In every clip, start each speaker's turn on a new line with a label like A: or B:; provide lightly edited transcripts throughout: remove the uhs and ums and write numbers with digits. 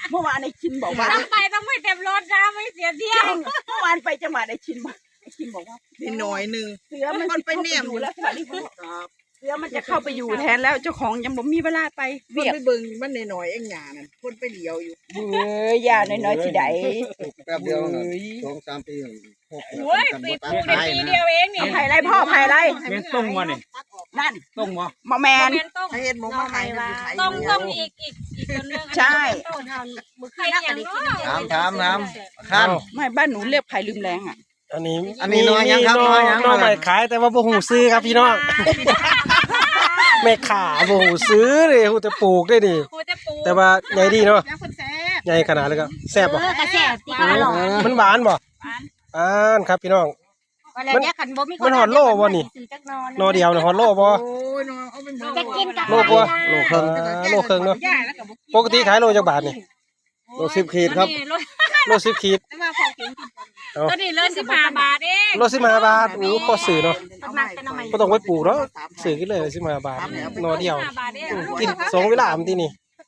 A: เมื่อวานไอ้ชินบอกว่า
B: ต้องไม่เต็มรถนะไม่เสียเที่ยว
A: เมื่อวานไปจังหวัดไอ้ชินบอกว่า
C: นิดหน่อยนึง
A: เสือมันไปแนมอยู่แล้วเสือมันจะเข้าไปอยู่แทนแล้วเจ้าของยังบ่มีเวลาไป
C: เบียกไปเบิ่งมันหน่อยเอ็งหยานั่นคนไปเลี้ยวอยู่
A: ยาน้อยๆสิได้
D: แป๊บเดียว2-3 ปี
B: โอ้ยปีปลูกได้ปีเดียวเองนี่
A: ไผ่ไรพ่อไผ่ไร
E: แม่นต้งวะนี่
A: นั่น
E: ต้งวะ
A: มอแมน
C: ให้เห็นหมูมาขาย
B: ต้องอีกคนนึง
A: ใช่
B: ใครอย่างน้
D: ถามน้ำคัน
A: ไม่บ้านหนูเรียกไผ่ลืมแรงอ่ะ
D: อันนี้น้อยยังครับน้อยยัง
E: น้อยใหม่ขายแต่ว่าบ่หูซื้อครับพี่น้องแม่ขาบ่หูซื้อเลยหูแต่ปลูกได้ดิแต่ว่าใหญ่ดีเนาะใหญ่ขนาดเลยก็แซ่บบ่
B: กระแสตีกันหรอ
E: มันหวานบ่ครับพี่น้องมันหอดโลบ่นี่นอเดียวเนี่ยหอดโลบ่
B: จะกินกับ
E: โลบ่โลครึ่งเนาะปกติขายโลจักบาทนี่
D: โล10 ขีดครับ
E: โล10 ขีด
B: ก็นี่เริ่ม15 บาทเอง
E: โล15 บาทพอซื้อเนาะบ่ต้องไปปลูกเนาะซื้อกินเลย15 บาทนอเดียวกิน2เวลามันที่นี่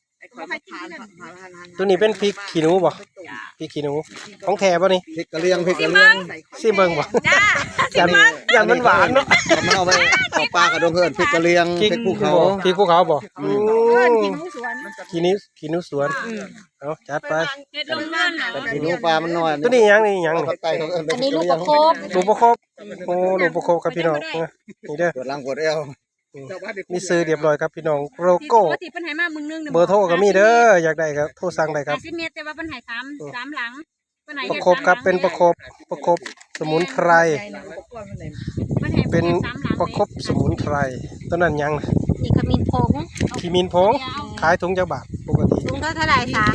E: ตัวนี้เป็นพริกขี้หนูบ่พริกขี้หนูของแท้บ่นี่
D: พริกกะเหรี่ยง
E: ซิเบิ่งบ่อย่างมันหวานเนาะ
D: มันเอาไปเอาปลากระดงเฮือนพริกกะเหรี่ยงพริกภูเขา
E: พริกภูเขาบ่ขี้หนูสวนเอาจัดไป
D: ขี้หนูปลามันน้อย
E: ตัวนี้ยังนี่
B: อันนี้ลูกประคบ
E: ลูกประคบโอ้ลูกประคบครับพี่น้องนี่เด้อ
D: ปวดหลังปวดเอว
E: มีซื้อเรียบร้อยครับพี่น้องโลโก้เบอร์โทรก็มีเด้ออยากได้ก็โทรสั่งได้ครับ
B: 10 เมตรแต่ว่าเพิ่นให้3หลัง
E: ประคบครับเป็นประคบสมุนไพรเป็นประคบสมุนไพรต้นนั้นยัง
B: นี่ขมิ้นผง
E: ขายถุงจักบาทปกติ
B: ถุงเท่าไหร่คะ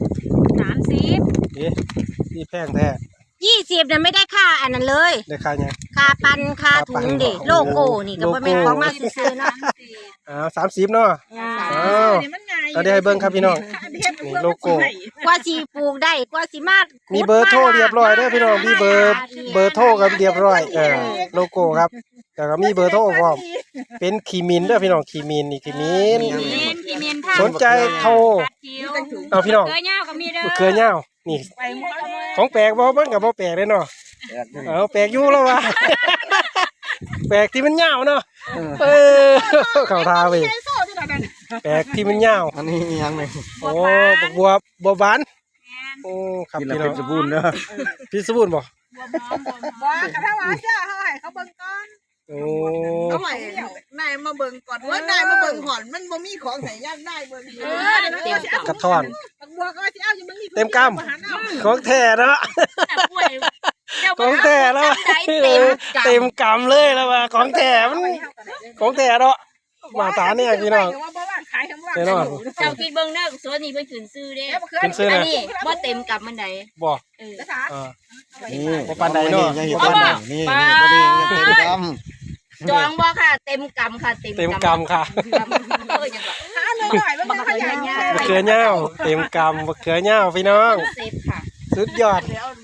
B: 30
E: นี่แพงแท้
B: 20น่ะไม่ได้ค่าอันนั้นเลย
E: ได้ค่ายัง
B: ค่าปั่นค่าถุงดิโลโก้นี่ก็บ่แม่นของมาซื้อๆเนาะ
E: 30เนาะเอาได้ให้เบิ่งครับพี่น้องนี่โลโก้
B: กว่าสิปลูกได้กว่าสิมา
E: มีเบอร์โทรเรียบร้อยเด้อพี่น้องมีเบอร์โทรกันเรียบร้อยโลโก้ครับแล้วก็มีเบอร์โทรพร้อมเป็นขีมินเด้อพี่น้องขีมินนี่ขีมินสนใจโทรเอาพี่น้องเกลือเหย้านี่ของแปลกบ่เบิ่งก็บ่แปลกเลยเนาะแปลกอยู่แล้วว่ะแปลกที่มันเหย้าเนาะเข้าท่าเว้ยแปลกที่มันเหย้า
D: อันนี้ยังไง
E: โอ้บัวบานโอ้ครับพี่น้อง
D: พิษสบู่เด้อ
E: พิษสบู่บ่
C: บ่กระทั่งว่าเจ้าเฮาให้เขาเบิ่งก่อน
E: โอ้
C: เอาไว้นายมาเบิ่งก่อนว่านายมาเบิ่งหอนมันบ่มีของใส่ย่านนายเบิ่ง
E: กระท่อน
C: บัวก็สิเอาอยู่มึงนี่
E: เต็มกำของแท้เนาะของแท้แล้วเต็มกำเลยแล้วว่าของแท้มันของแท้เนาะมาตาเนี่ยพี่น้อง
B: เจ้าคิดเบิ่งเด้อสวนนี้เพิ่นขึ้นซื้อเด้
E: ขึ้นซื้อนะ
B: นี่บ่เต็มกับมันใด
E: บ่
D: นี่บ่ปานใดเนาะนี่บ่เต็มก
B: ำจองบ่ค่ะเต็มกำค่ะเต็ม
E: กำค่ะ
B: บักเขือเห
E: ย้าเต็มกำบักเขือเหย้าพี่น้อง
B: เซฟค่ะ
E: สุดยอด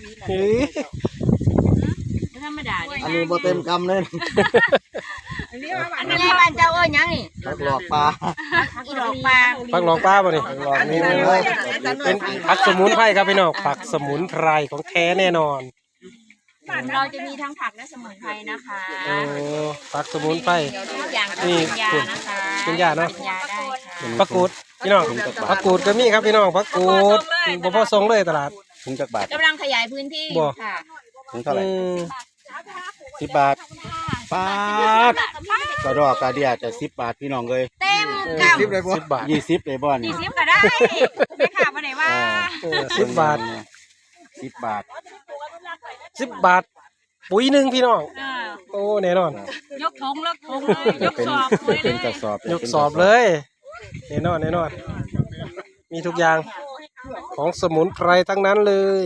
B: ธรรมดา
D: อันนี้บ่เต็มกำเลย
B: อันนี้บ้านเจ้าเอ้ยยังนี่
D: ผักหลอกปลา
B: อีหลอกปลา
E: ผักหลอกปลาบ่นี่หลอกนี่เป็นผักสมุนไพรครับพี่น้องผักสมุนไพรของแท้แน่นอน
B: เราจะมีทั้งผักและสมุนไพรนะคะ
E: โอ้ผักสมุนไพร
B: นี่เป็นยานะคะ
E: เป็นยาเนาะ
B: ยาได้ค่ะ
E: ผักกูดพี่น้องผักกูดก็มีครับพี่น้องผักกูดบ่พอส่งเลยตลาด
D: ถุงจักบาท
B: กำลังขยายพื้นที่ค่ะ
D: ถุงเท่าไหร่10 บาทปาดกระดอกกระเดียจะ10 บาทพี่น้องเลย
B: เต็ม
D: 10เลยบ่10 บาท20เลยบ่
B: นี่20ก็ได้ไม่ขาดบ่ได้ว่า
E: 10 บาท
D: 10 บาท
E: 10 บาทปุ๋ยนึงพี่น้องโอ้แน่นอน
B: ยกทงเลยยกสอบ
D: เป็นกระสอบ
E: ยกสอบเลยแน่นอนมีทุกอย่างของสมุนไพรทั้งนั้นเลย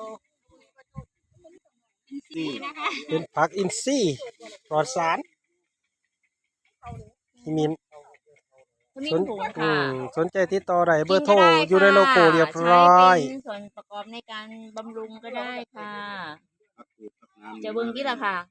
E: เป็นผักอินทรีย์ปลอดสารมินสนใจติดต่อได้เบอร์โทรอยู่ในโลโก้เรียบร้อย
B: เป็นส่วนประกอบในการบำรุงก็ได้ค่ะจะเบิ้งที่ละค่ะ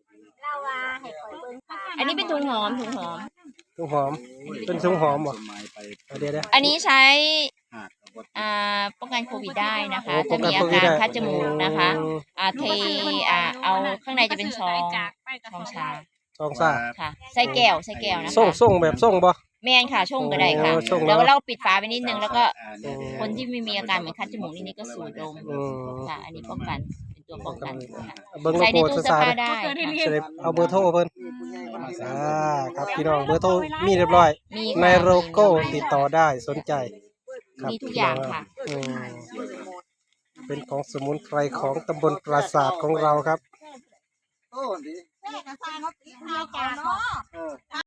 B: อันนี้เป็นถุงหอม
E: เป็นถุงหอมเป็นถุงหอมเหรอเดี๋ยว
B: อันนี้ใช้กันโควิดได้นะคะ ถ้ามีอาการคัดจมูกนะคะเอาข้างในจะเป็นซองชา
E: ซองซ่า
B: ค่ะใส่แก้วนะคะ
E: ส่งแบบส่งบ่
B: แม่นค่ะช่งก็ได้ค่ะ
E: ช่ง
B: แล้วเราปิดฝาไปนิดนึงแล้วก็คนที่ไม่มีอาการเหมือนคัดจมูกนิดๆก็สูดดม
E: อืม
B: ค่ะ อันนี้ป้องกันเป็นตัวป้องกันค่ะ
E: เบิ่งโล
B: ใส่ใน
E: โก้
B: ตู้
E: ซะ
B: เสื้อ
E: ซะ
B: ผ้าได้ค่ะ
E: จะได้เอาเบอร์โทรเพิ่นครับพี่น้องเบอร์โทรมีเรียบร้อย
B: มี
E: ใน
B: ค่ะ
E: โลโก้ติดต่อได้สนใจครับ
B: มีทุกอย่างค่ะ
E: อืมเป็นของสมุนไพรของตำบลปราสาทของเราครับ
C: นี่ก็สร้างเขาตีข้าวก่อนเนาะ